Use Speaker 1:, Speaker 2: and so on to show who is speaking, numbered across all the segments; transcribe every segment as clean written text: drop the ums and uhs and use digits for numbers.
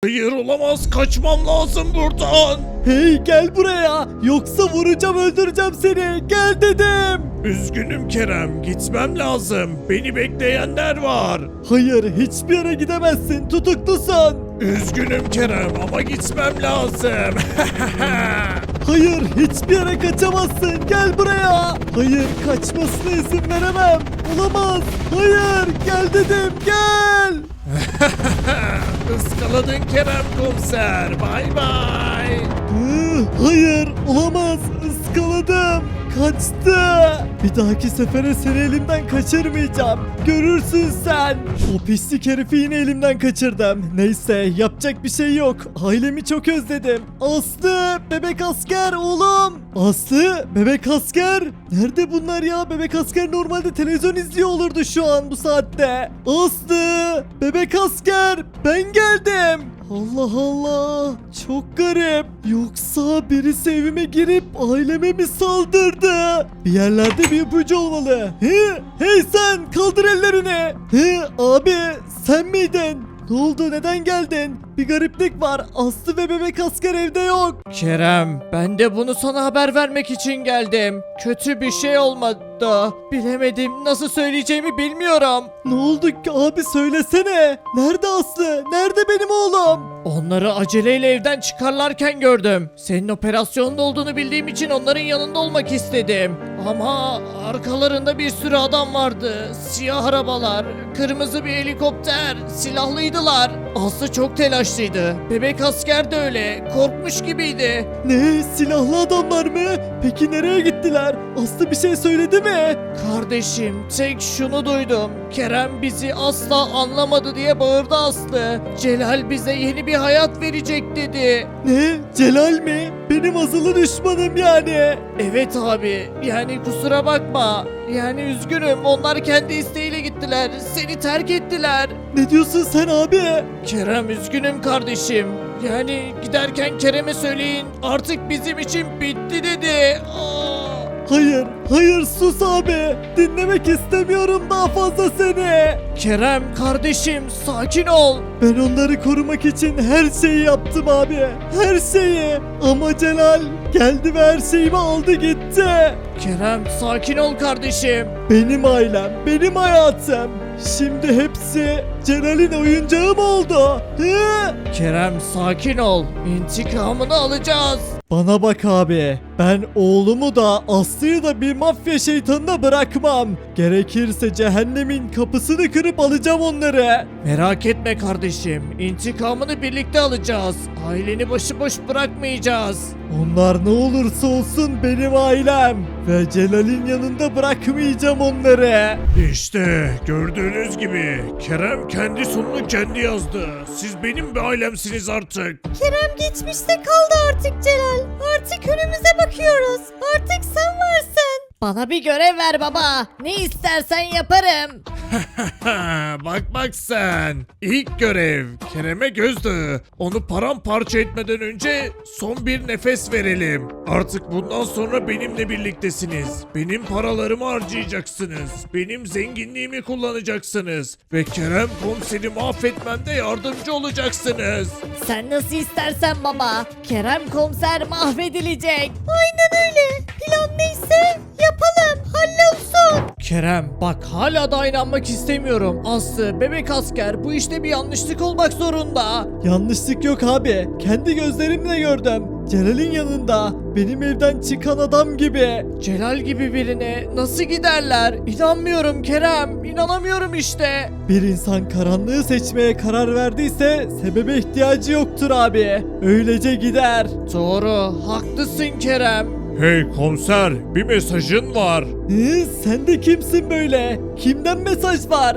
Speaker 1: Hayır olamaz, kaçmam lazım buradan.
Speaker 2: Hey gel buraya. Yoksa vuracağım öldüreceğim seni. Gel dedim.
Speaker 1: Üzgünüm Kerem, gitmem lazım. Beni bekleyenler var.
Speaker 2: Hayır hiçbir yere gidemezsin. Tutuklusun.
Speaker 1: Üzgünüm Kerem ama gitmem lazım.
Speaker 2: Hayır hiçbir yere kaçamazsın. Gel buraya. Hayır kaçmasına izin veremem. Olamaz. Hayır gel dedim gel.
Speaker 1: Iskaladın Kerem komiser. Bay bay.
Speaker 2: Hayır olamaz. Iskaladım. Kaçtı. Bir dahaki sefere seni elimden kaçırmayacağım. Görürsün sen. O pislik herifi yine elimden kaçırdım. Neyse yapacak bir şey yok. Ailemi çok özledim. Aslı bebek asker oğlum. Aslı bebek asker. Nerede bunlar ya? Bebek asker normalde televizyon izliyor olurdu şu an bu saatte. Aslı bebek asker ben geldim. Allah Allah. Çok garip. Yoksa birisi evime girip aileme mi saldırdı? Bir yerlerde bir ipucu olmalı. Hey sen kaldır ellerini. Abi sen miydin? Ne oldu neden geldin? Bir gariplik var. Aslı ve bebek asker evde yok.
Speaker 3: Kerem, ben de bunu sana haber vermek için geldim. Kötü bir şey olmadı. Bilemedim, nasıl söyleyeceğimi bilmiyorum.
Speaker 2: Ne oldu ki abi söylesene. Nerede Aslı? Nerede benim oğlum?
Speaker 3: Onları aceleyle evden çıkarlarken gördüm. Senin operasyonda olduğunu bildiğim için onların yanında olmak istedim. Ama arkalarında bir sürü adam vardı. Siyah arabalar, kırmızı bir helikopter, silahlıydılar. Aslı çok telaşlıydı. Bebek asker de öyle. Korkmuş gibiydi.
Speaker 2: Ne? Silahlı adamlar mı? Peki nereye gittiler? Aslı bir şey söyledi mi?
Speaker 3: Kardeşim, tek şunu duydum. Kerem bizi asla anlamadı diye bağırdı Aslı. Celal bize yeni bir hayat verecek dedi.
Speaker 2: Ne? Celal mi? Benim azılı düşmanım yani.
Speaker 3: Evet abi, yani kusura bakma. Yani üzgünüm, onlar kendi isteğiyle gittiler. Seni terk ettiler.
Speaker 2: Ne diyorsun sen abi?
Speaker 3: Kerem, üzgünüm kardeşim. Yani giderken Kerem'e söyleyin, artık bizim için bitti dedi.
Speaker 2: Hayır, hayır sus abi. Dinlemek istemiyorum daha fazla seni.
Speaker 3: Kerem kardeşim, sakin ol.
Speaker 2: Ben onları korumak için her şeyi yaptım abi. Her şeyi. Ama Celal geldi ve her şeyimi aldı gitti.
Speaker 3: Kerem, sakin ol kardeşim.
Speaker 2: Benim ailem, benim hayatım. Şimdi hepsi Celal'in oyuncağı mı oldu?
Speaker 3: Kerem, sakin ol. İntikamını alacağız.
Speaker 2: Bana bak abi. Ben oğlumu da Aslı'yı da bir mafya şeytanına bırakmam. Gerekirse cehennemin kapısını kırıp alacağım onları.
Speaker 3: Merak etme kardeşim. İntikamını birlikte alacağız. Aileni başıboş bırakmayacağız.
Speaker 2: Onlar ne olursa olsun benim ailem. Ve Celal'in yanında bırakmayacağım onları.
Speaker 1: İşte gördüğünüz gibi Kerem kendi sonunu kendi yazdı. Siz benim bir ailemsiniz artık.
Speaker 4: Kerem geçmişte kaldı artık Celal. Artık önümüze bakıyoruz. Artık sen varsın. Bana bir görev ver baba. Ne istersen yaparım.
Speaker 1: Bak sen. İlk görev Kerem'e gözdağı. Onu paramparça etmeden önce son bir nefes verelim. Artık bundan sonra benimle birliktesiniz. Benim paralarımı harcayacaksınız. Benim zenginliğimi kullanacaksınız. Ve Kerem komiseri mahvetmemde yardımcı olacaksınız.
Speaker 4: Sen nasıl istersen baba. Kerem komiser mahvedilecek. Aynen öyle. Plan neyse yapalım. Hallolsun.
Speaker 3: Kerem, bak hala da inanmak istemiyorum. Aslı, bebek asker, bu işte bir yanlışlık olmak zorunda.
Speaker 2: Yanlışlık yok abi. Kendi gözlerimle gördüm. Celal'in yanında. Benim evden çıkan adam gibi.
Speaker 3: Celal gibi birine nasıl giderler? İnanmıyorum Kerem, inanamıyorum işte.
Speaker 2: Bir insan karanlığı seçmeye karar verdiyse sebebe ihtiyacı yoktur abi. Öylece gider.
Speaker 3: Doğru, haklısın Kerem.
Speaker 1: Hey komiser, bir mesajın var.
Speaker 2: Sen de kimsin böyle? Kimden mesaj var?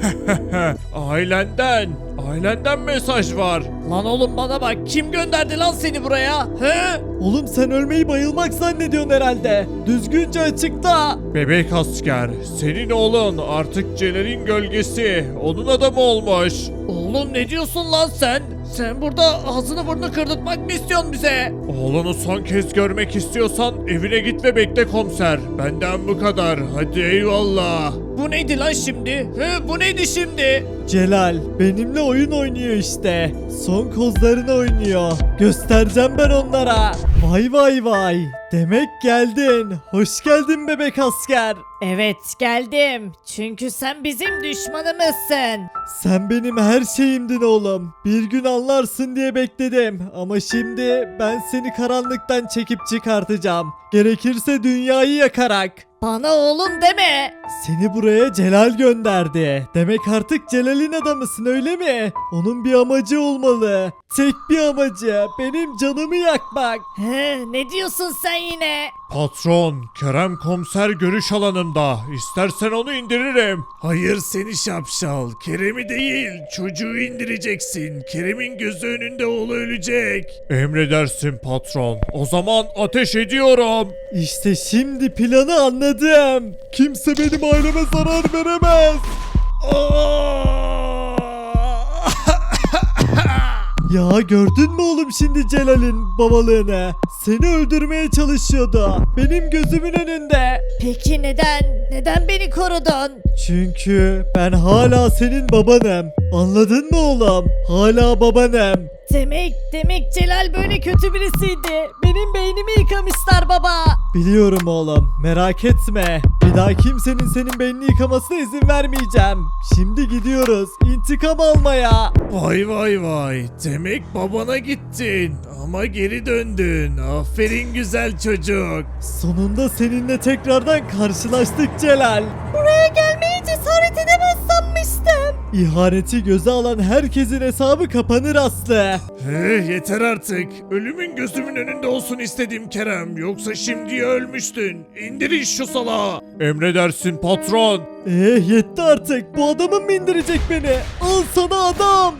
Speaker 1: Ailenden mesaj var.
Speaker 3: Lan oğlum bana bak, kim gönderdi lan seni buraya? He?
Speaker 2: Oğlum sen ölmeyi bayılmak zannediyorsun herhalde. Düzgünce açıkla.
Speaker 1: Bebek asker, senin oğlun artık Celal'in gölgesi. Onun adamı olmuş.
Speaker 3: Oğlum ne diyorsun lan sen? Sen burada ağzını burnunu kırdırtmak mı istiyorsun bize?
Speaker 1: Oğlunu son kez görmek istiyorsan evine git ve bekle komiser. Benden bu kadar. Hadi eyvallah.
Speaker 3: Bu neydi lan şimdi? Bu neydi şimdi?
Speaker 2: Celal benimle oyun oynuyor işte. Son kozlarını oynuyor. Göstereceğim ben onlara. Vay vay vay. Demek geldin. Hoş geldin bebek asker.
Speaker 4: Evet geldim. Çünkü sen bizim düşmanımızsın.
Speaker 2: Sen benim her şeyimdin oğlum. Bir gün anlarsın diye bekledim. Ama şimdi ben seni karanlıktan çekip çıkartacağım. Gerekirse dünyayı yakarak.
Speaker 4: Bana oğlum deme.
Speaker 2: Seni buraya Celal gönderdi. Demek artık Celal'in adamısın öyle mi? Onun bir amacı olmalı. Tek bir amacı. Benim canımı yakmak.
Speaker 4: Ne diyorsun sen yine?
Speaker 1: Patron, Kerem komiser görüş alanında. İstersen onu indiririm.
Speaker 3: Hayır seni şapşal. Kerem'i değil çocuğu indireceksin. Kerem'in gözü önünde oğlu ölecek.
Speaker 1: Emredersin patron. O zaman ateş ediyorum.
Speaker 2: İşte şimdi planı anladım. Kimse benim aileme zarar veremez. Ya gördün mü oğlum şimdi Celal'in babalığını? Seni öldürmeye çalışıyordu. Benim gözümün önünde.
Speaker 4: Peki neden? Neden beni korudun?
Speaker 2: Çünkü ben hala senin babanım. Anladın mı oğlum? Hala babanım.
Speaker 4: Demek Celal böyle kötü birisiydi. Benim beynimi yıkamışlar baba.
Speaker 2: Biliyorum oğlum. Merak etme. Bir daha kimsenin senin beynini yıkamasına izin vermeyeceğim. Şimdi gidiyoruz. İntikam almaya.
Speaker 3: Vay vay vay. Demek babana gittin. Ama geri döndün. Aferin güzel çocuk.
Speaker 2: Sonunda seninle tekrardan karşılaştık Celal.
Speaker 4: Buraya gelmeye cesaret edemez sanmıştım.
Speaker 2: İhaneti göze alan herkesin hesabı kapanır Aslı.
Speaker 3: Yeter artık. Ölümün gözümün önünde olsun istedim Kerem. Yoksa şimdi ölmüştün. İndirin şu salağı.
Speaker 1: Emredersin patron.
Speaker 2: Yetti artık. Bu adamın mı indirecek beni? Al sana adam.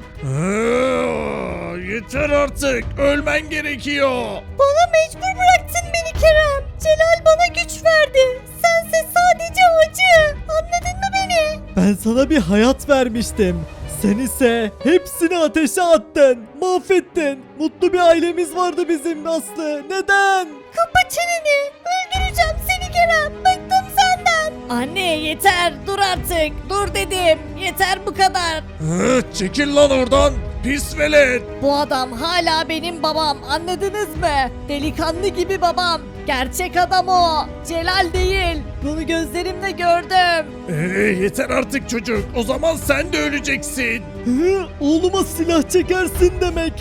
Speaker 3: Yeter artık. Ölmen gerekiyor.
Speaker 4: Bana mecbur bıraktın beni Kerem. Celal bana güç verdi. Sense sadece acı. Anladın mı beni?
Speaker 2: Ben sana bir hayat vermiştim. Sen ise hepsini ateşe attın. Mahvettin. Mutlu bir ailemiz vardı bizim Aslı. Neden?
Speaker 4: Kapa çeneni. Öldüreceğim seni Kerem. Bıktım senden. Anne yeter. Dur artık. Dur dedim. Yeter bu kadar.
Speaker 3: Çekil lan oradan. Pis velet.
Speaker 4: Bu adam hala benim babam. Anladınız mı? Delikanlı gibi babam. Gerçek adam o. Celal değil. Bunu gözlerimle gördüm.
Speaker 3: Yeter artık çocuk. O zaman sen de öleceksin.
Speaker 2: Oğluma silah çekersin demek.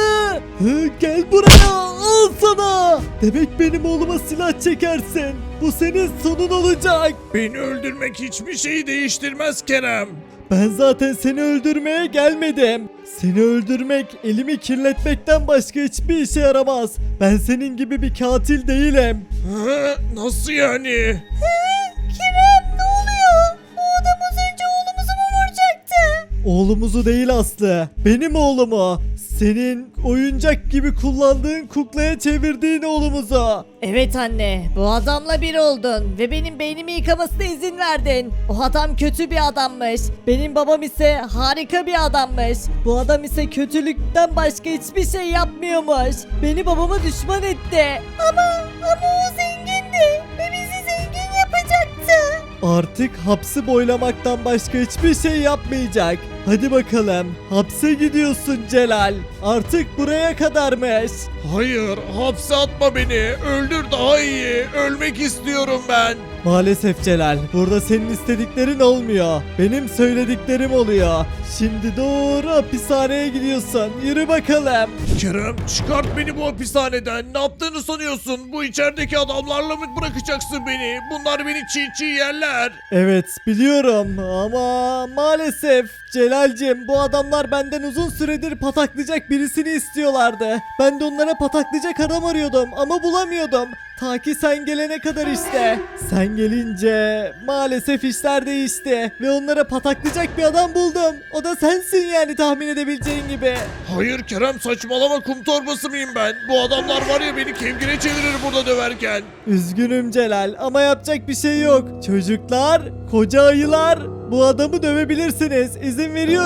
Speaker 2: Gel buraya. Al sana. Demek benim oğluma silah çekersin. Bu senin sonun olacak.
Speaker 3: Beni öldürmek hiçbir şeyi değiştirmez Kerem.
Speaker 2: Ben zaten seni öldürmeye gelmedim. Seni öldürmek, elimi kirletmekten başka hiçbir işe yaramaz. Ben senin gibi bir katil değilim.
Speaker 3: Nasıl yani?
Speaker 4: Kerem ne oluyor? Bu adam az önce oğlumuzu mu vuracaktı?
Speaker 2: Oğlumuzu değil Aslı, benim oğlumu. Senin oyuncak gibi kullandığın kuklaya çevirdiğin oğlumuzu.
Speaker 4: Evet anne, bu adamla bir oldun ve benim beynimi yıkamasına izin verdin. O adam kötü bir adammış. Benim babam ise harika bir adammış. Bu adam ise kötülükten başka hiçbir şey yapmıyormuş. Beni babama düşman etti. Ama o zengindi ve bizi zengin yapacaktı.
Speaker 2: Artık hapsi boylamaktan başka hiçbir şey yapmayacak. Hadi bakalım, hapse gidiyorsun Celal. Artık buraya kadarmış.
Speaker 3: Hayır, hapse atma beni. Öldür daha iyi. Ölmek istiyorum ben.
Speaker 2: Maalesef Celal, burada senin istediklerin olmuyor. Benim söylediklerim oluyor. Şimdi doğru hapishaneye gidiyorsun. Yürü bakalım.
Speaker 3: Kerem, çıkart beni bu hapishaneden. Ne yaptığını sanıyorsun? Bu içerideki adamlarla mı bırakacaksın beni? Bunlar beni çiğ çiğ yerler.
Speaker 2: Evet biliyorum ama maalesef Celal'cim bu adamlar benden uzun süredir pataklayacak birisini istiyorlardı. Ben de onlara pataklayacak adam arıyordum ama bulamıyordum. Ta ki sen gelene kadar işte. Sen gelince maalesef işler değişti ve onlara pataklayacak bir adam buldum. O da sensin yani tahmin edebileceğin gibi.
Speaker 3: Hayır Kerem, saçmalama, kum torbası mıyım ben? Bu adamlar var ya, beni kevgire çevirir burada döverken.
Speaker 2: Üzgünüm Celal ama yapacak bir şey yok. Çocuklar, koca ayılar bu adamı dövebilirsiniz. İzin veriyorum.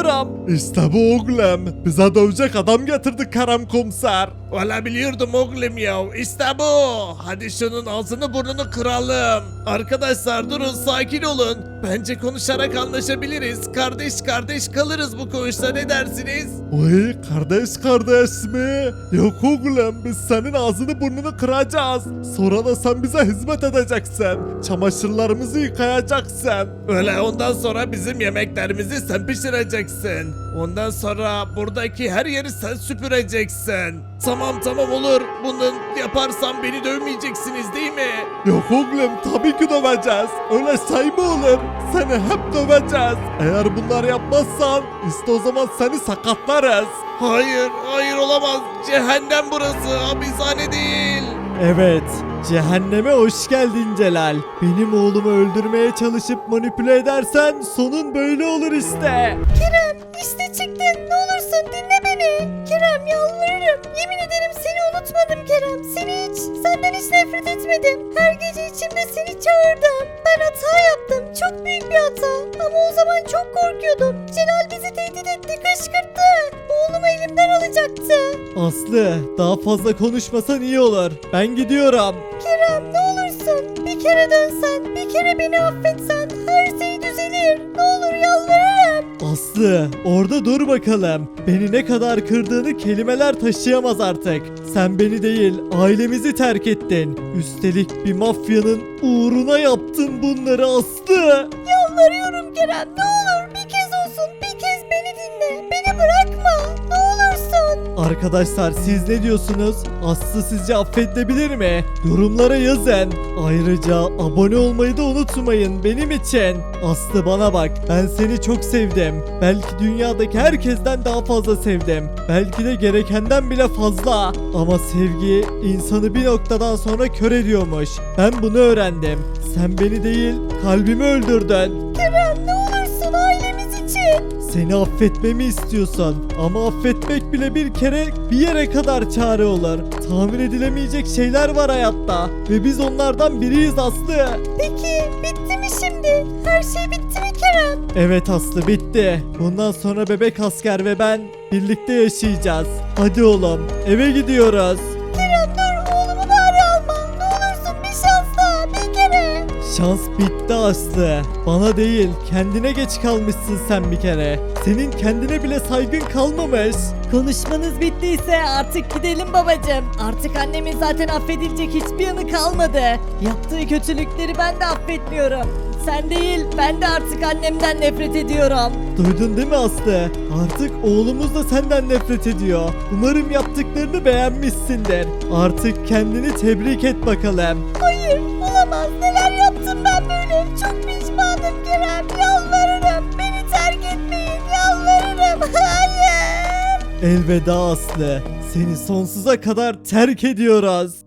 Speaker 2: İşte bu oğlum. Bize dövecek adam getirdi Kerem komiser.
Speaker 1: Valla biliyordum oğlum ya. İşte bu. Hadi şunun ağzını burnunu kıralım. Arkadaşlar durun, sakin olun. Bence konuşarak anlaşabiliriz. Kardeş kardeş kalırız bu koğuşta, ne dersiniz?
Speaker 2: Oy kardeş mi? Yok oğlum, biz senin ağzını burnunu kıracağız. Sonra da sen bize hizmet edeceksin. Çamaşırlarımızı yıkayacaksın.
Speaker 1: Öyle, ondan sonra bizim yemeklerimizi sen pişireceksin. Ondan sonra buradaki her yeri sen süpüreceksin. Tamam olur. Bunu yaparsam beni dövmeyeceksiniz değil mi?
Speaker 2: Yok oğlum, tabii ki döveceğiz. Öyle şey mi olur? Seni hep döveceğiz. Eğer bunları yapmazsan işte o zaman seni sakatlarız.
Speaker 1: Hayır olamaz. Cehennem burası, hapishane değil.
Speaker 2: Evet, cehenneme hoş geldin Celal. Benim oğlumu öldürmeye çalışıp manipüle edersen sonun böyle olur işte.
Speaker 4: Kerem işte çıktın, ne olursun dinle beni. Kerem yalvarırım, yemin ederim seni unutmadım Kerem. Senden hiç nefret etmedim. Her gece içimde seni çağırdım. Ben hata yaptım, çok büyük bir hata. Ama o zaman çok korkuyordum. Celal bizi tehdit etti, kışkırttı. Oğlumu elimden alacaktı.
Speaker 2: Aslı, daha fazla konuşmasan iyi olur. Ben gidiyorum.
Speaker 4: Kerem ne olursun, bir kere dönsen, bir kere beni affetsen her şey düzelir. Ne olur yalvarırım.
Speaker 2: Aslı, orada dur bakalım. Beni ne kadar kırdığını kelimeler taşıyamaz artık. Sen beni değil, ailemizi terk ettin. Üstelik bir mafyanın uğruna yaptın bunları Aslı.
Speaker 4: Yalvarıyorum Kerem, ne olur bir kez olsun, bir kez beni dinle. Beni bırakma, ne olursun.
Speaker 2: Arkadaşlar siz ne diyorsunuz? Aslı sizce affedilebilir mi? Yorumlara yazın. Ayrıca abone olmayı da unutmayın benim için. Aslı bana bak, ben seni çok sevdim. Belki dünyadaki herkesten daha fazla sevdim. Belki de gerekenden bile fazla. Ama sevgi insanı bir noktadan sonra kör ediyormuş. Ben bunu öğrendim. Sen beni değil, kalbimi öldürdün.
Speaker 4: Kerem ne olursun ailemiz için.
Speaker 2: Seni affetmemi istiyorsan ama affetmek bile bir kere bir yere kadar çare olur. Tahmin edilemeyecek şeyler var hayatta ve biz onlardan biriyiz Aslı.
Speaker 4: Peki bitti mi şimdi? Her şey bitti mi Kerem?
Speaker 2: Evet Aslı, bitti. Bundan sonra bebek asker ve ben birlikte yaşayacağız. Hadi oğlum, eve gidiyoruz.
Speaker 4: Kerem dur, oğlumu bari alma. Ne olursun bir şans daha, bir kere.
Speaker 2: Şans bitti Aslı. Bana değil, kendine geç kalmışsın sen bir kere. Senin kendine bile saygın kalmamış.
Speaker 4: Konuşmanız bittiyse artık gidelim babacığım. Artık annemin zaten affedilecek hiçbir yanı kalmadı. Yaptığı kötülükleri ben de affetmiyorum. Sen değil, ben de artık annemden nefret ediyorum.
Speaker 2: Duydun değil mi Aslı? Artık oğlumuz da senden nefret ediyor. Umarım yaptıklarını beğenmişsindir. Artık kendini tebrik et bakalım.
Speaker 4: Hayır, olamaz. Neler yaptım ben böyle? Çok pişmanım Kerem. Yalvarırım. Beni terk etmeyin. Yalvarırım. Hayır.
Speaker 2: Elveda Aslı. Seni sonsuza kadar terk ediyoruz.